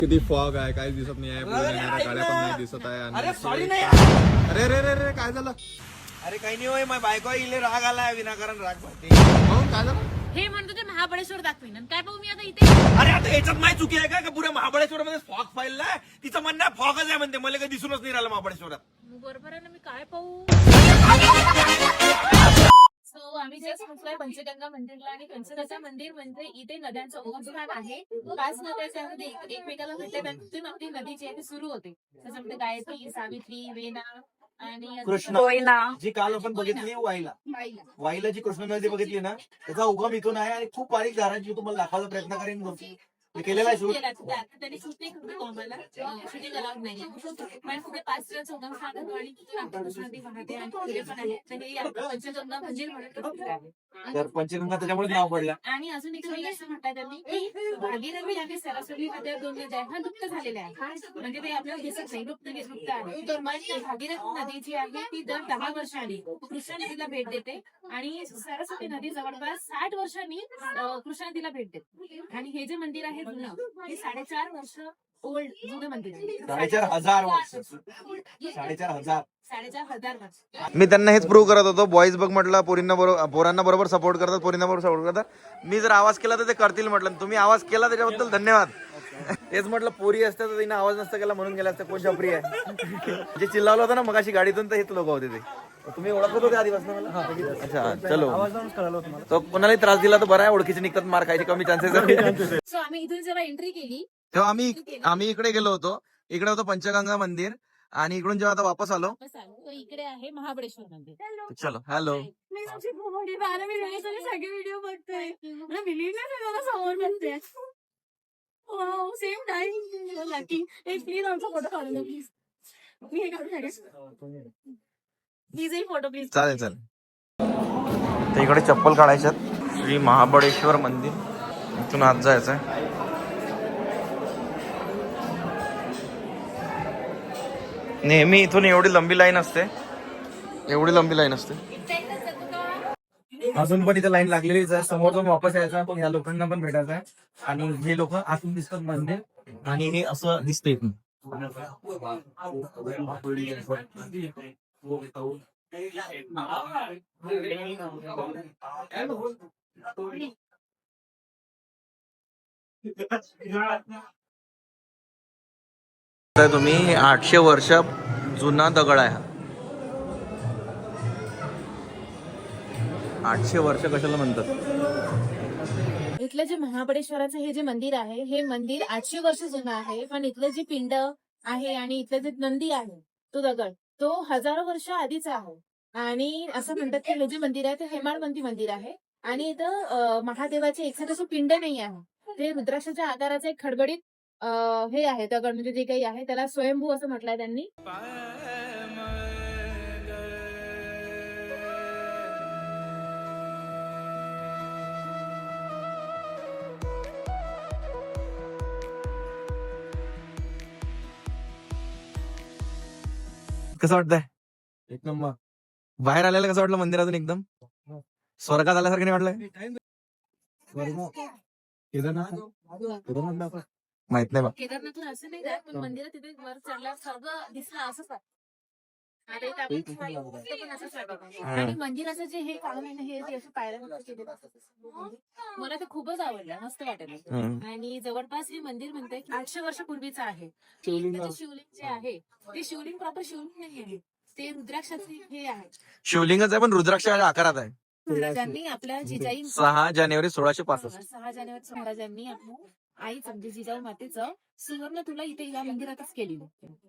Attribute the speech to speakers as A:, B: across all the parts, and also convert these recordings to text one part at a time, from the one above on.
A: किती फॉग आहे, काहीच दिसत नाही आहे. पुढे येणाऱ्या गाड्या पण नाही दिसत आहे.
B: अरे सॉरी नाही.
A: अरे रे रे रे काय झालं?
B: अरे काही नाही होय, माझ्या बायको इले राग आलाय, विनाकारण राग भरते.
A: काय झालं?
C: हे म्हणतो ते महाबळेश्वर दाखवीन आणि काय पाहू मी आता इथे.
B: अरे आता याच्यात माझी चुकी आहे का पुऱ्या महाबळेश्वर मध्ये फॉग पाहिलाय? तिचं म्हणणं फॉगच आहे म्हणते, मला काही दिसूनच नाही राहिलं महाबळेश्वरात.
C: बरोबर आहे ना, मी काय पाहू. सो आम्ही जस्ट पोहोचलोय पंचगंगा मंदिरला आणि पंचगंगा मंदिर म्हणजे इथे नद्यांचं उगमस्थान आहे. 5 नद्या त्यामध्ये एकमेकाला भेटतात आणि तिथून आपली नदी जी आहे ती सुरू होते. त्याच्यामध्ये गायत्री, सावित्री, वेना आणि
B: कृष्णा जी काल आपण बघितली वाईला जी कृष्णा नदी बघितली ना, त्याचा उगम इथून आहे आणि खूप बारीक धारांची तुम्हाला दाखवायचा प्रयत्न करेन. मी केलेला आहे शूट.
C: त्यांनी शूटिंग करतो आम्हाला, शूटिंग अलाउड नाही पण कुठे 5 दिवस उगमस्थान आणि तिथून आपली कृष्णा नदी वाहते आणि पुढे पण आहे. तर हे पंचगंगा मंदिर म्हणून प्रसिद्ध आहे.
B: तर पंचगंगा त्याच्यामुळे नाव पडलं.
C: आणि अजून एक असं म्हणतात त्यांनी की भागीरथी आणि सरस्वती नद्या 2 नद्या ह्या लुप्त झालेल्या आहेत. म्हणजे ते आपल्याला दिसत नाही, लुप्त आहे. तर मग भागीरथी नदी जी आहे ती दर 10 वर्षांनी कृष्णा नदीला भेट देते आणि सरस्वती नदी जवळपास 60 वर्षांनी कृष्णा नदीला भेट देते. आणि हे जे मंदिर आहे जुनं, हे 4.5 वर्ष ओल्ड जुनं मंदिर आहे.
B: 4,500 वर्ष. 4,500.
C: 4,500 वर्ष.
A: मी त्यांना हेच प्रूव्ह करत होतो. बॉईज बघ म्हटलं, पोरांना बरोबर सपोर्ट करतात, पोरींना बरोबर सपोर्ट करतात. मी जर आवाज केला तर ते करतील म्हटलं. तुम्ही आवाज केला त्याच्याबद्दल धन्यवाद. तेच म्हटलं, पोरी असतं तर तिने आवाज नसता केला म्हणून गेला असतं. कोण छपरी आहे जे चिल्लावलं होतं ना मगाशी गाडीतून, तर हेच लोक होते ते. तुम्ही ओळखत होते आधीपासून मला? अच्छा, चलो. तो कोणालाही त्रास दिला तर बरं आहे, ओळखीचे निघतात, मार खायचे कमी चान्सेस आहे.
C: सो आम्ही इथून जेव्हा एंट्री केली
A: तेव्हा आम्ही इकडे गेलो होतो. इकडे होतं पंचगंगा मंदिर आणि इकडून जेव्हा आता वापस आलो
C: तर इकडे आहे महाबळेश्वर मंदिर.
A: चलो हॅलो.
C: मी तुमची मोठी 12 सगळे व्हिडिओ बघतोय. मला बिलीव्ह नाही झालं समोर बघते. Same time lucky. एक प्लीज आमचा फोटो काढून द्या प्लीज. मी हे काढून टाकेन. प्लीज एक फोटो प्लीज.
A: चालेल. तर इकडे चप्पल काढायच्यात. श्री महाबळेश्वर मंदिर, इथून आत जायचंय. नेहमी इथून एवढी लंबी लाईन असते.
B: अजून पण इथे लाईन लागलेलीच आहे. समोर जाऊन वापस यायचा, पण ह्या लोकांना पण भेटायचं आहे. आणि हे लोक आतून दिसतात मंदिर आणि हे असं दिसतंय इथून.
A: तुम्ही 800 वर्ष जुना दगड आहे हा. 800 वर्ष कशाला म्हणतात?
C: इथलं जे महाबळेश्वराचं हे जे मंदिर आहे, हे मंदिर 800 वर्ष जुनं आहे. पण इथलं जे पिंड आहे आणि इथलं जे नंदी आहे, तो दगड, तो हजारो वर्ष आधीचा आहे. आणि असं म्हणतात की हे जे मंदिर आहे ते हेमाडपंथी मंदिर आहे. आणि इथं महादेवाचे एखादं पिंड नाही आहे. ते रुद्राक्षाच्या आकाराचे एक खडबडीत हे आहे दगड, म्हणजे जे काही आहे त्याला स्वयंभू असं म्हटलंय त्यांनी.
A: कसं वाटतंय?
B: एक नंबर.
A: बाहेर आल्याला कसं वाटलं मंदिरातून? एकदम स्वर्गात आल्यासारखं नाही वाटलं? माहित नाही बा.
C: केदारनाथून असं नाही जात, पण मंदिरात तिथे वर चढल्यावर सगळं दिसलं असंच वाटतं. आणि मंदिराचं जे हे काम आहे ना, हे जे असं पायऱ्या केलेलं असतं, मला ते खूपच आवडलं, मस्त वाटलं. आणि जवळपास हे मंदिर म्हणतंय की 800 वर्षापूर्वीचं आहे. शिवलिंग जे आहे ते शिवलिंग प्रॉपर शिवलिंग नाही आहे, ते रुद्राक्षाचे हे आहे.
A: शिवलिंगच आहे पण रुद्राक्षाच्या आकारात आहे.
C: महाराजांनी आपल्या जिजाई
A: 6 जानेवारी 1665.
C: 6 जानेवारी महाराजांनी आपल्या आईचं म्हणजे जिजाऊ मातेचं सुवर्ण तुला इथे या मंदिरातच केलेलं.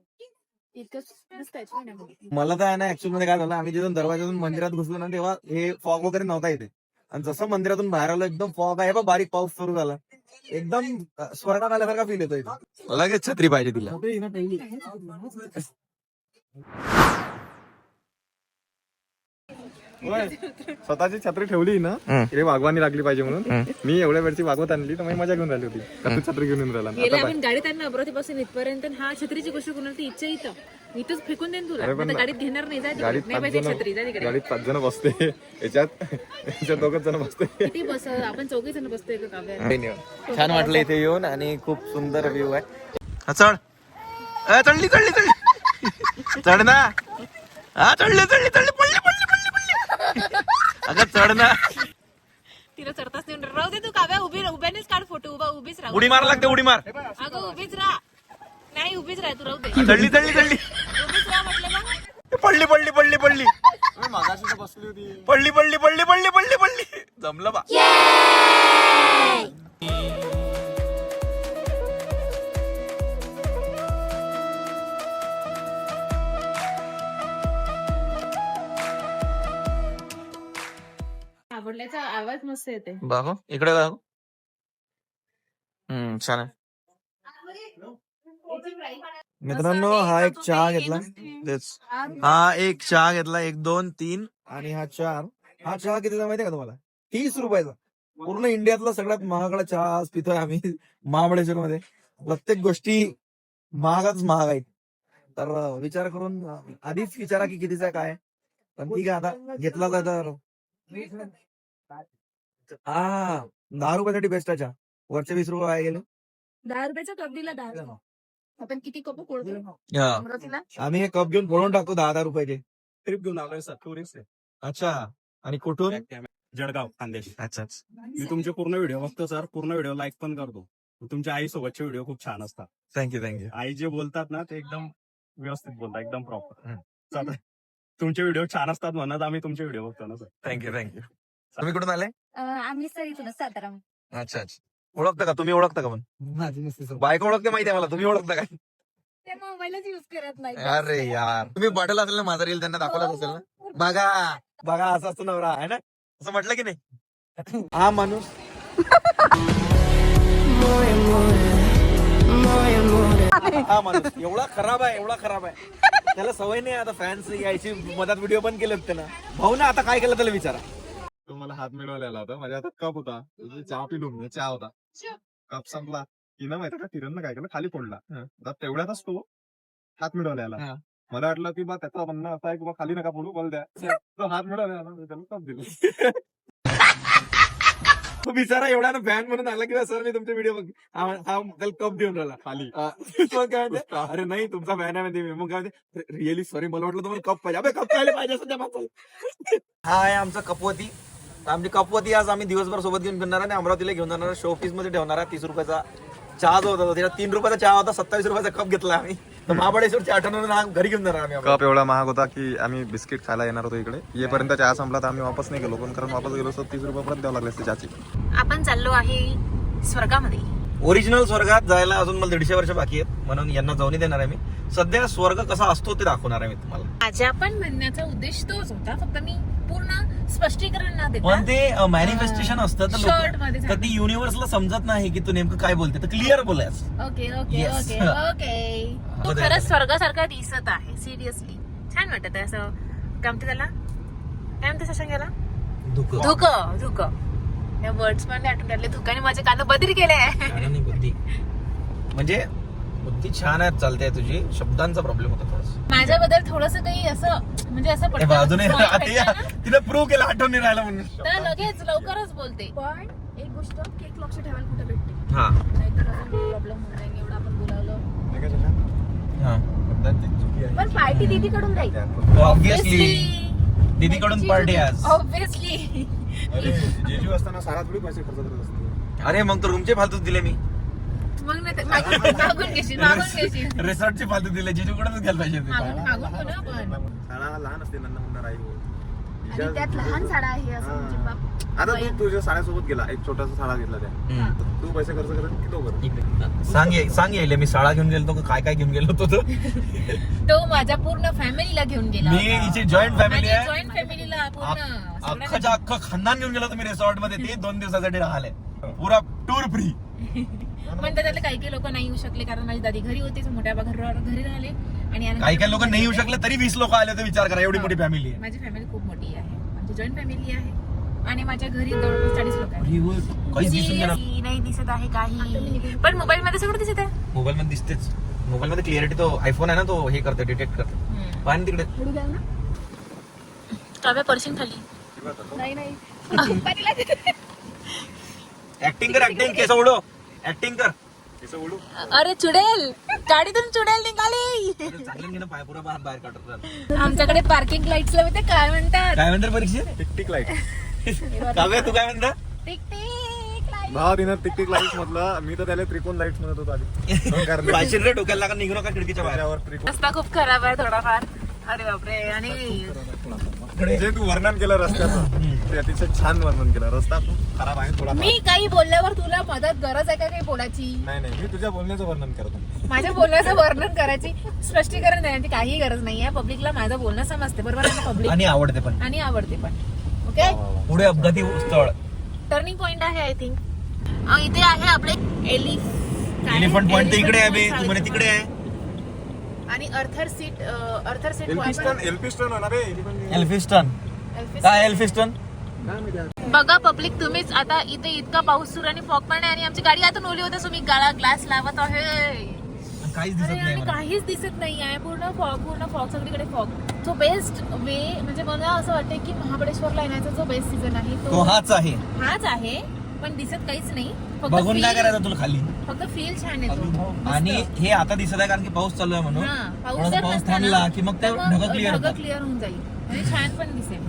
A: मला तर आहे ना, ऍक्च्युअल मध्ये काय झालं, आम्ही जिथून दरवाजातून मंदिरात घुसलो ना, तेव्हा हे फॉग वगैरे नव्हता इथे. आणि जसं मंदिरातून बाहेर आलो एकदम फॉग आहे, बारीक पाऊस सुरू झाला. एकदम स्वर्गात आल्यासारखा फील येतो इथे. लगेच छत्री पाहिजे तिला.
D: स्वतःची छत्री ठेवली ना, रे वागवानी लागली पाहिजे म्हणून मी एवढ्या वेळची वागवत आणली, तर मी मजा घेऊन राहिली होती. छत्री घेऊन राहिला
C: गेले आपण गाडीत आणलं अमरावतीपासून इथपर्यंत. हा छत्रीची गोष्ट कोणाला इच्छा इथंच फेकून देईन तुला. गाडीत घेणार नाही,
D: गाडीत 5 जण बसते, याच्यात 2 जण बसते.
C: किती बस आपण 4 जण बसतोय का?
A: छान वाटलं इथे येऊन आणि खूप सुंदर व्ह्यू आहे. हा, चढ. चढली चढली चढली चढ ना. हा चढली चढली चढली पडली पडली पडली पडली. अगं चढ ना.
C: तिला चढताच नाही राहू दे तू काव्या उभ्यानेच काढ फोटो उभीच राहा
A: उडी मार लागते उडी मार.
C: अगं उभीच राहा नाही उभीच राहा तू राहू दे
A: चढली चढली चढली
C: उभीच राहा म्हटलं ना
A: पडली पडली पडली पडली
D: मागाशी तर बसली होती.
A: पडली पडली पडली पडली पडली पडली. जमलं बा.
C: आवडल्याचा आवाज मस्त येते
A: बाबा इकडे बघ. छान आहे. मित्रांनो हा एक चहा घेतला. तेच हा एक चहा घेतला 1 2 3 आणि हा 4. हा चहा कितीचा माहितीये का तुम्हाला? 30 रुपयाचा. पूर्ण इंडियातला सगळ्यात महागडा चहा आज पितोय आम्ही महाबळेश्वर मध्ये. प्रत्येक गोष्टी महागच महाग आहेत. तर विचार करून आधीच विचारा की कितीचा काय. पण ठीक आहे आता घेतला तर हा 10 रुपयासाठी बेस्ट आहे चहा. वरचे 20 रुपये वाया गेले.
C: 10 रुपयाचा कप दिला 10 आपण किती कप फोडतो
A: हा.
C: अमरावतीला
A: आम्ही हे कप घेऊन फोडून टाकतो 10 रुपयाचे.
D: ट्रिप घेऊन आलोय सर, टुरिस्ट आहे.
A: अच्छा. आणि कुठून?
D: जळगाव खानदेश.
A: अच्छा.
D: मी तुमचे पूर्ण व्हिडिओ बघतो सर, पूर्ण व्हिडिओ लाईक पण करतो. तुमच्या आई सोबतचे व्हिडिओ खूप छान असतात.
A: थँक्यू.
D: आई जे बोलतात ना ते एकदम व्यवस्थित बोलतात, एकदम प्रॉपर. तुमचे व्हिडिओ छान असतात म्हणत आम्ही तुमचे व्हिडिओ बघतो ना सर.
A: थँक्यू. तुम्ही कुठून आले?
C: आम्ही सर इथूनच सातारा
A: अच्छा. ओळखता का? तुम्ही ओळखता का? पण बायको ओळखते माहिती आहे मला. तुम्ही ओळखता का?
C: ते मोबाईलच युज करत नाही
A: अरे यार तुम्ही पाठवलं असेल ना माझा रील त्यांना दाखवलाच असेल ना. बघा बघा असा असतो नवरा आहे ना. असं म्हटलं की नाही. हा माणूस हा माणूस एवढा खराब आहे. त्याला सवय नाही आता फॅन्स यायची. मधात व्हिडिओ पण केलेत त्यानं. भाऊ ना आता काय केलं त्याला विचारा.
D: तो मला हात मिळवलेला होता. माझ्या हातात कप होता. चहा पिलो मी. चहा होता. कप संपला. तिनं माहिती का किरण काय केलं खाली फोडला. आता तेवढ्यातच तो हात मिळवलेला. मला वाटलं की बा त्याचा म्हणणं असा आहे की बा खाली नका फोडू बोल द्या. तो हात मिळवलेला मी त्याला कप दिलं.
A: तो बिचारा एवढा ना फॅन म्हणून आला की सर मी तुमचे व्हिडिओ बघ. हा त्याला कप देऊन राहिला
D: खाली.
A: मग काय म्हणते, अरे नाही तुमचा फॅन आहे म्हणते मी. मग काय म्हणते, रिअली सॉरी मला वाटलं तुम्हाला कप पाहिजे. अबे कप पाहिजे पाहिजे सध्या माणसाला. हा आहे आमचा कपवती. आमची कपवती आज आम्ही दिवसभर सोबत घेऊन फिरणार आणि अमरावतीला घेऊन जाणार. शो ऑफिस मध्ये ठेवणार आहे. 30 रुपयाचा चहा जो होता त्याला 3 रुपयाचा चहा होता. 27 रुपयाचा कप घेतला आम्ही. तर महाबळेश्वरच्या आठवण घरी घेऊन जाणार आम्ही.
D: कप एवढा महाग होता की आम्ही बिस्किट खायला येणार होतो इकडे. येपर्यंत चहा संपला तर आम्ही वापस नाही गेलो. पण कारण वापस गेलो तर 30 रुपये परत द्यावं लागले असते चहाची.
C: आपण चाललो आहे स्वर्गामध्ये.
A: ओरिजिनल स्वर्गात जायला अजून मला 150 वर्ष बाकी आहेत. म्हणून यांना जाऊन देणार आहे मी. सध्या स्वर्ग कसा असतो ते दाखवणार आहे मी तुम्हाला.
C: माझ्या पण म्हणण्याचा उद्देश तोच होता. फक्त मी पूर्ण स्पष्टीकरण ना देता
A: पण ते मॅनिफेस्टेशन असतं तर
C: शॉर्ट मध्ये
A: तर ती युनिव्हर्सला समजत नाही की तू नेमकं काय बोलते. तर क्लिअर बोलायच.
C: Okay
A: Yes.
C: तू खरंच स्वर्गासारखा दिसत आहे. सिरियसली छान वाटत आहे. असं काय म्हणते त्याला काय म्हणते शशांक धुक या वर्ड्स पण आठवून राहिले. धुकाने माझे कान बदरी केले.
A: बुद्धी म्हणजे बुद्धी छान आहे चालते तुझी. शब्दांचा प्रॉब्लेम होता थोडासा.
C: माझ्याबद्दल थोडस काही असं म्हणजे असं पटकन
A: अजूनही
C: point भेटलं ना,
A: तिला प्रूव्ह केलं आठवण नाही राहिला म्हणून.
C: तर लगेच लवकरच बोलते. पण एक गोष्ट केक लक्ष ठेवायला कुठे भेटते.
A: हा
C: नाहीतर अजून प्रॉब्लेम होऊन जाईल. एवढं आपण बोलावलं.
A: हा
C: पण पार्टी दीदीकडून जाईल.
A: ऑब्विसली दीदीकडून पार्टी आज.
C: ऑब्विसली.
D: जेजू असताना सारा थोडी पैसे खर्च करत असते.
A: अरे मग तर रूमचे फालतूच दिले मी.
C: मग नाही तर मागून घेशील.
A: रिसॉर्टचे फालतू दिले. जिजूकडूनच घ्यायला पाहिजे होते.
C: मागून हो ना आपण.
D: शाळा लहान असते नंदा मुन्ना राई.
C: आणि त्यात लहान साडा आहे असं म्हणजे बाप.
D: आता तू तुझ्या साड्यासोबत गेला एक छोटासा साडा घेतला त्या.
A: हम्म.
D: तू पैसे खर्च करत की तो करत.
A: सांग यायले मी शाळा घेऊन गेलो काय काय घेऊन गेलो होतो.
C: तो माझ्या पूर्ण फॅमिलीला घेऊन गेला.
A: मी हिची जॉईंट फॅमिली आहे.
C: जॉईंट फॅमिलीला पूर्ण
A: अख्खच्या अख्खं खानदान घेऊन गेलो तुम्ही रिसॉर्ट मध्ये. ते 2 दिवसासाठी राहिले. पुरा टूर फ्री.
C: पण त्यातले काही लोक नाही येऊ शकले कारण माझी दादी घरी होती. मोठ्या घरी राहिले आणि
A: काही लोक नाही येऊ शकले तरी 20 लोक आले होते. विचार करा एवढी मोठी फॅमिली आहे.
C: माझी फॅमिली खूप मोठी आहे. आमची जॉईंट फॅमिली आहे आणि माझ्या घरी जवळपास 40 लोक आहेत.
A: काहीच दिसून गेलं.
C: नाही दिसत आहे काही. पण मोबाईल मध्ये सगळं दिसत आहे.
A: मोबाईल मध्ये दिसतेच. मोबाईल मध्ये क्लिअरिटी तो आयफोन आहे ना तो हे करते डिटेक्ट करते. पाणी तिकडे
C: काव्या पर्शिंग खाली. नाही
A: ऍक्टिंग कर. ऍक्टिंग केस उडो. ऍक्टिंग कर.
C: अरे चुडेल. गाडीतून चुडेल निघाली.
B: चांगलं घे ना पाय पुरा बाहेर काढतात.
C: आमच्याकडे पार्किंग लाईट्सला माहिती काय म्हणतात?
B: काय म्हणतात परीक्षा?
D: Tick tick light.
B: काव्या तू काय म्हणता?
C: Tick tick light.
D: भावा तिनं टिक टिक लाईट म्हटलं, मी तर त्याला त्रिकोण लाईट म्हणत होतो आधी. कारण
B: पाचशे रे डोक्याला लागा निघू नका खिडकीच्या बाहेर.
D: त्याच्यावर त्रिकोण.
C: रस्ता खूप खराब आहे थोडाफार. अरे बापरे. आणि
D: जे तू वर्णन केलं रस्त्याचं ते अतिशय छान वर्णन केलं. रस्ता खूप खराब आहे थोडा.
C: मी काही बोलल्यावर तुला मदत गरज आहे का काही बोलायची?
D: नाही मी तुझ्या बोलण्याचं वर्णन करतो.
C: माझ्या बोलण्याचं वर्णन करायची, स्पष्टीकरण देण्याची काही गरज नाहीये. पब्लिकला माझं बोलणं समजते, बरोबर आहे पब्लिक,
B: आणि आवडते पण.
C: आणि आवडते पण. ओके.
B: पुढे अपघाती स्थळ
C: टर्निंग पॉइंट आहे आय थिंक. इथे आहे आपले
B: एलिफंट पॉइंट इकडे आहे बे, तू म्हणे तिकडे आहे.
C: आणि अर्थर सीट
D: एल्फिस्टन एल्फिस्टन होणार आहे.
B: एल्फिस्टन काय? एल्फिस्टन
C: बघा पब्लिक, तुम्हीच आता इथे इतका पाऊस सुरू आणि फॉग पण आहे आणि आमची गाडी आतून ओली होते, तुम्ही ग्लास लावत आहे.
B: काहीच दिसत
C: अरे,
B: नाही
C: आणि
B: मला.
C: काहीच दिसत नाही आहे. पूर्ण फॉग सगळीकडे फॉग. जो बेस्ट वे म्हणजे मला असं वाटतं की महाबळेश्वरला येण्याचा जो बेस्ट सीझन आहे
B: तो हाच आहे.
C: हाच आहे. पण दिसत काहीच नाही.
B: बघून काय करायचं तुला खाली.
C: फक्त फील छान येतो.
B: आणि हे आता दिसत आहे कारण की पाऊस चालू आहे म्हणून.
C: हा,
B: थोडासा
C: जर
B: पाऊस
C: नसता
B: थांबला
C: ना,
B: की मग ते
C: तर
B: ढगं क्लिअर
C: ढगं
B: होतात.
C: क्लिअर होऊन जाईल आणि छान पण दिसेल.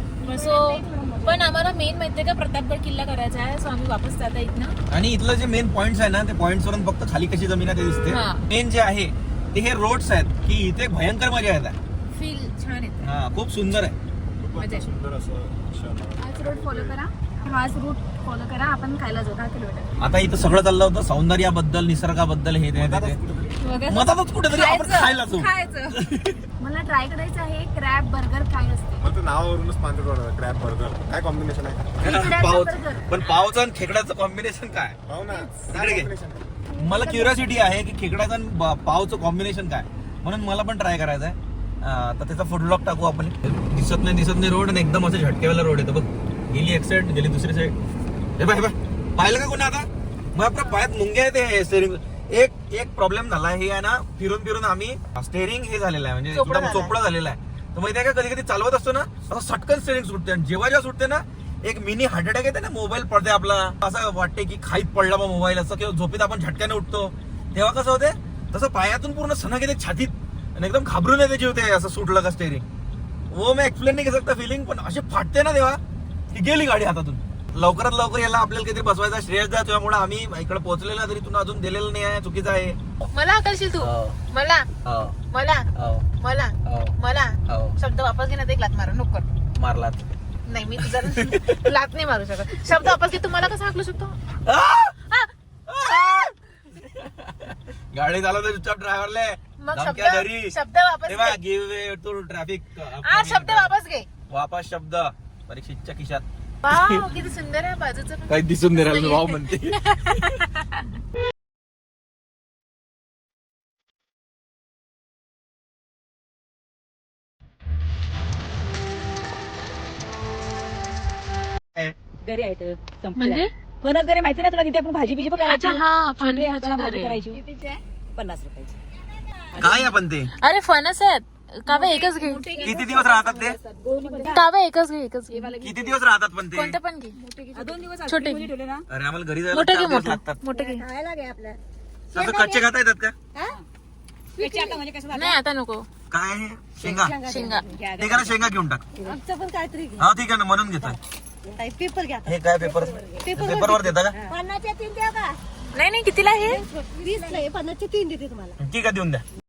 C: सो पण आम्हाला मेन माहितीये का प्रतापगड किल्ला करायचा आहे. सो आम्ही वापस जाता इथनं.
B: आणि इथलं जे मेन पॉइंट्स आहे ना, ते पॉइंट्स वरून फक्त खाली कशी जमीन आहे ते दिसते.
C: हा.
B: मेन जे आहे ते हे रोड्स आहेत की इथे भयंकर मजा येत आहे.
C: फील छान येतं.
B: हा, खूप सुंदर आहे.
C: मजा.
D: सुंदर असं क्षण.
E: हाच रूट फॉलो करा, हाच रूट फॉलो करा. आपण खायला जाऊ 10 किलोमीटर.
B: आता इथं सगळं चाललं होतं सौंदर्याबद्दल, निसर्गाबद्दल, हे ते मधातच कुठेतरी आपण खायला जाऊ.
C: खायचं.
E: मला ट्राय करायचं आहे क्रॅब बर्गर काय असते.
D: मला तर नावावरूनच पांढर पडलं क्रॅब बर्गर. काय कॉम्बिनेशन आहे?
E: खेकड्याचं
B: पाव
E: burger.
B: पण पावचं आणि खेकड्याचं कॉम्बिनेशन काय?
D: पाव ना
B: इकडे घे. मला क्युरियोसिटी आहे की खेकड्याचं आणि पावचं कॉम्बिनेशन काय, म्हणून मला पण ट्राय करायचं आहे. तर त्याचा फूड ब्लॉग टाकू आपण. दिसत नाही रोड आणि एकदम असं झटकेवाला रोड येतो बघ. गेली एक साईड, गेली दुसरी साईड. हे बाय पाहिलं का कोणी आता? मग आपल्या पायात मुंग्या येते स्टेअरिंग. एक प्रॉब्लेम झाला हे आहे ना, फिरून आम्ही स्टेअरिंग हे झालेलं आहे, म्हणजे एकदम चोपडा झालेला आहे. तर माहिती आहे का, कधी कधी चालवत असतो ना असं सटकन स्टेअरिंग सुटते आणि जेव्हा सुटते ना एक मिनी हार्ट अटॅक येते ना, मोबाईल पडते आपला, असं वाटते की खाईत पडला बा मोबाईल असं, किंवा झोपेत आपण झटक्याने उठतो तेव्हा कसं होते तसं पायातून पूर्ण सणक येते छातीत आणि एकदम घाबरून येते जीव ते असं सुटलं का स्टेअरिंग. वो मैं एक्सप्लेन नाही करू शकता फिलिंग, पण असे फाटते ना तेव्हा की गेली गाडी हातातून. लवकरात लवकर याला आपल्याला काहीतरी बसवायचा श्रेयस द्या, त्यामुळे आम्ही इकडे पोहोचलेला तरी तुला अजून दिलेलं नाही आहे, चुकीचं आहे.
C: मला करशील तू? मला मला मला मला शब्द वापस घे ना, ते एक लात मारू नको.
B: मारलात
C: नाही, मी तुझा लात नाही मारू शकत. शब्द वापस घे. तुम्हाला कसं हाकलू शकतो?
B: गाडी चालवतो चुपचाप ड्रायव्हरले
C: मग शब्द वापस घे.
B: Give way to traffic.
C: शब्द वापस घे.
B: वापस शब्द परीक्षेच्या खिशात.
C: वाव, किती सुंदर आहे बाजूचं पण.
B: काही दिसून नाही राहिलं भाऊ म्हणते.
F: घरी आहे तर
C: म्हणजे
F: फणस घरी माहिती ना तुला, तिथे आपण भाजी बिजी पण करायची.
C: हा,
F: भाजी करायची. 50 रुपयाची.
B: काय आपण ते
C: अरे फणस आहेत. काव्य एकच घे.
B: किती दिवस राहतात ते?
C: काव्य एकच घे.
B: किती दिवस राहतात पण ते?
C: कोणतं पण घे.
F: 2 दिवस
C: छोटे
F: आधी ठेवले ना.
B: अरे आम्हाला घरी जायला
C: मोठे
B: 4
C: घे.
B: दिवस लागतात.
C: मोठे घे.
E: खायला घे आपल्या.
B: तसं कच्चे खाता येतात का?
F: त्याची आता म्हणजे कसं
C: नाही, आता नको.
B: काय आहे? शेंगा
C: शेंगा.
B: ते करा, शेंगा घेऊन टाक.
E: आमचं पण काहीतरी घे.
B: हा ठीक आहे ना, म्हणून घेतोय.
E: पेपर घ्या.
B: हे काय पेपर पेपरवर देता का?
E: 50चे 3 द्या का?
C: नाही, कितीला आहे?
E: 20 50चे 3 देते तुम्हाला.
B: ठीक आहे, देऊन द्या.